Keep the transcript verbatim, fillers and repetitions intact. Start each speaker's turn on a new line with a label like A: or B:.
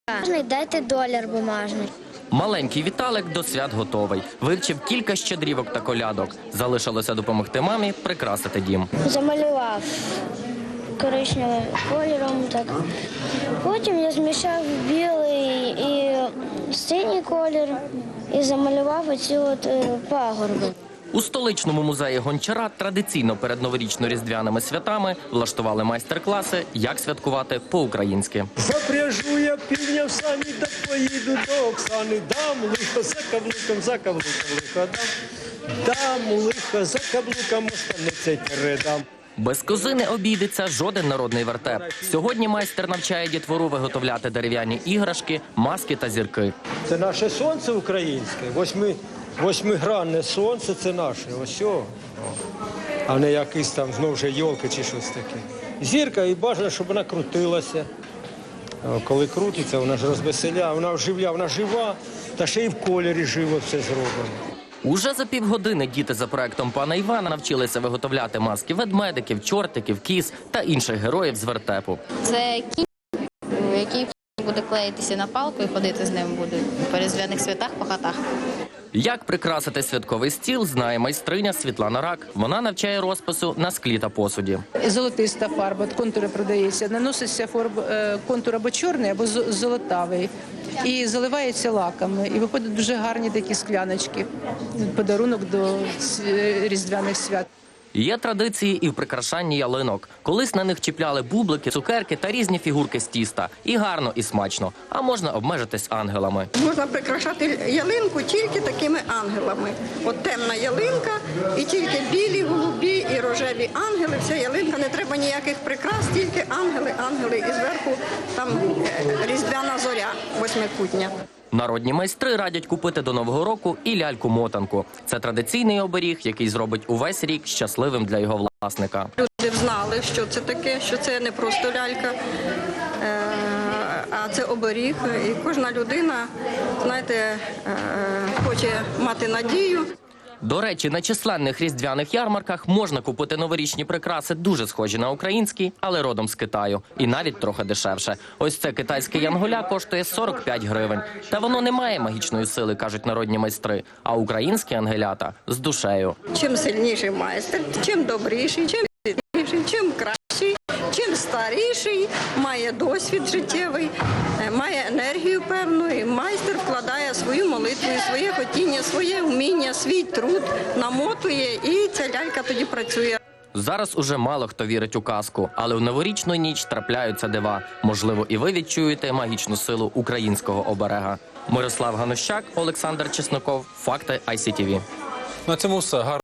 A: Дайте долар бумажний.
B: Маленький Віталик до свят готовий. Вивчив кілька щедрівок та колядок. Залишилося допомогти мамі прикрасити дім.
A: Замалював коричневим кольором. Так. Потім я змішав білий і синій колір і замалював оці от пагорби.
B: У столичному музеї Гончара традиційно перед новорічно-різдвяними святами влаштували майстер-класи, як святкувати по-українськи.
C: Запряжу я півня в сані, так поїду до Оксани. Дам лихо за каблуком, за каблуком лихо дам. Дам лихо за каблуком, останеться передам.
B: Без кози не обійдеться жоден народний вертеп. Сьогодні майстер навчає дітвору виготовляти дерев'яні іграшки, маски та зірки.
C: Це наше сонце українське, восьми, восьмигранне сонце – це наше, ось о. А не якийсь там знову ж йолки чи щось таке. Зірка, і бажано, щоб вона крутилася. Коли крутиться, вона ж розвеселяє, вона вживляє, вона жива, та ще й в кольорі живо все зроблено.
B: Уже за півгодини діти за проектом пана Івана навчилися виготовляти маски ведмедиків, чортиків, кіз та інших героїв з вертепу.
D: Це кінь, який буде клеїтися на палку і ходити з ним буде по різдвяних святах, по хатах.
B: Як прикрасити святковий стіл, знає майстриня Світлана Рак. Вона навчає розпису на склі та посуді.
E: Золотиста фарба, контури продається, наноситься фарб, контур або чорний, або золотавий. І заливається лаками. І виходять дуже гарні такі скляночки. Подарунок до різдвяних свят.
B: Є традиції і в прикрашанні ялинок. Колись на них чіпляли бублики, цукерки та різні фігурки з тіста. І гарно, і смачно. А можна обмежитись ангелами.
F: Можна прикрашати ялинку тільки такими ангелами. От темна ялинка, і тільки білі, голубі і рожеві ангели. Вся ялинка, не треба ніяких прикрас, тільки ангели, ангели. І зверху там різдвяна зоря восьмикутня.
B: Народні майстри радять купити до Нового року і ляльку-мотанку. Це традиційний оберіг, який зробить увесь рік щасливим для його власника.
F: Люди знали, що це таке, що це не просто лялька, а це оберіг. І кожна людина, знаєте, хоче мати надію.
B: До речі, на численних різдвяних ярмарках можна купити новорічні прикраси, дуже схожі на українські, але родом з Китаю. І навіть трохи дешевше. Ось це китайське янголя коштує сорок п'ять гривень. Та воно не має магічної сили, кажуть народні майстри. А українські ангелята з душею.
F: Чим сильніший майстер, чим добріший, чим сильніший, чим кращий, чим старіший, має досвід життєвий, має енергію певну, і майстер вкладає свою молитву, своє хотіння, своє вміння, свій труд, намотує, і ця лялька тоді працює.
B: Зараз уже мало хто вірить у казку, але в новорічну ніч трапляються дива. Можливо, і ви відчуєте магічну силу українського оберега. Мирослав Ганущак, Олександр Чесноков, Факти ай сі ті ві.
G: На цьому все.